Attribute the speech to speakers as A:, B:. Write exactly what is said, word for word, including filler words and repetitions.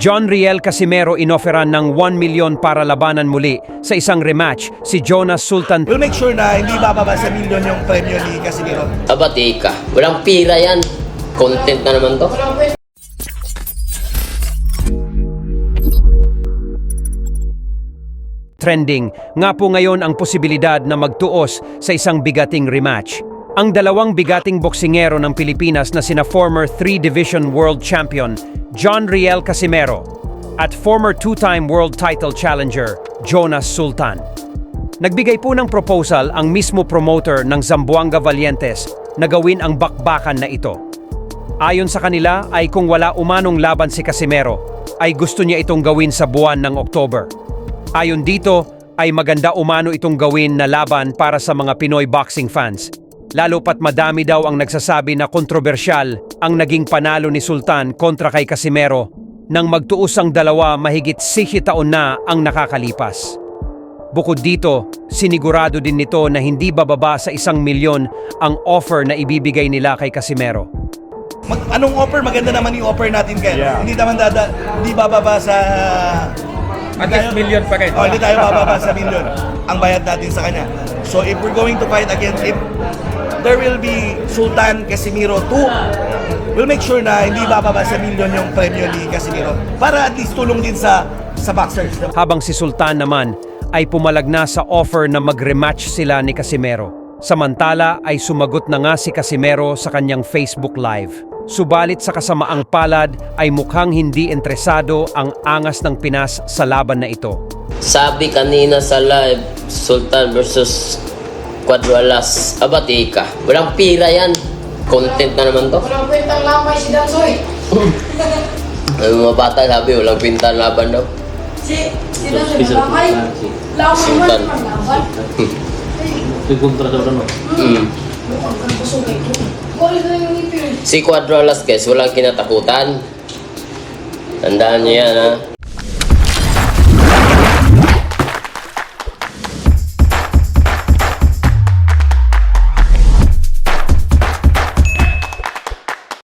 A: John Riel Casimero inoferan ng one million para labanan muli sa isang rematch si Jonas Sultan.
B: We'll make sure na hindi bababa sa milyon yung premyo ni Casimero.
C: Abati ka. Walang pira yan. Content na naman to.
A: Trending nga po ngayon ang posibilidad na magtuos sa isang bigating rematch. Ang dalawang bigating boksingero ng Pilipinas na sina former three-division world champion John Riel Casimero at former two-time world title challenger Jonas Sultan. Nagbigay po ng proposal ang mismo promoter ng Zamboanga Valientes na gawin ang bakbakan na ito. Ayon sa kanila ay kung wala umanong laban si Casimero, ay gusto niya itong gawin sa buwan ng October. Ayon dito ay maganda umano itong gawin na laban para sa mga Pinoy boxing fans. Lalo pat madami daw ang nagsasabi na kontrobersyal ang naging panalo ni Sultan kontra kay Casimero nang magtuos ang dalawa mahigit sixty taon na ang nakakalipas. Bukod dito, sinigurado din nito na hindi bababa sa isang milyon ang offer na ibibigay nila kay Casimero.
B: Mag, anong offer? Maganda naman yung offer natin kaya.
D: Yeah.
B: Hindi naman dada, hindi bababa sa...
D: At least million pa kayo.
B: Oh, hindi tayo bababa sa milyon ang bayad natin sa kanya. So if we're going to fight against him, there will be Sultan Casimero two. We'll make sure na hindi bababa sa milyon yung premyo ni Casimero para at least tulong din sa sa boxers.
A: Habang si Sultan naman ay pumalag na sa offer na mag-rematch sila ni Casimero. Samantala ay sumagot na nga si Casimero sa kanyang Facebook Live. Subalit sa kasamaang palad ay mukhang hindi interesado ang angas ng Pinas sa laban na ito.
C: Sabi kanina sa live, Sultan versus Cuatro Alas. Abati ka. Walang pira yan. Content na naman to.
E: Walang kwentang lamay si Dansoy.
C: Ay, mga bata sabi, walang pinta laban daw.
E: Si, si Dansoy na lamay. Lamay man
C: Sultan.
E: naman laban.
F: Ito kontra sa ano?
C: Mm.
E: Mukhang kang kusugay ko. Kulit na yung ngipin.
C: Si Cuatro Alas guys, walang kinatakutan. Tandaan niyo yan ha.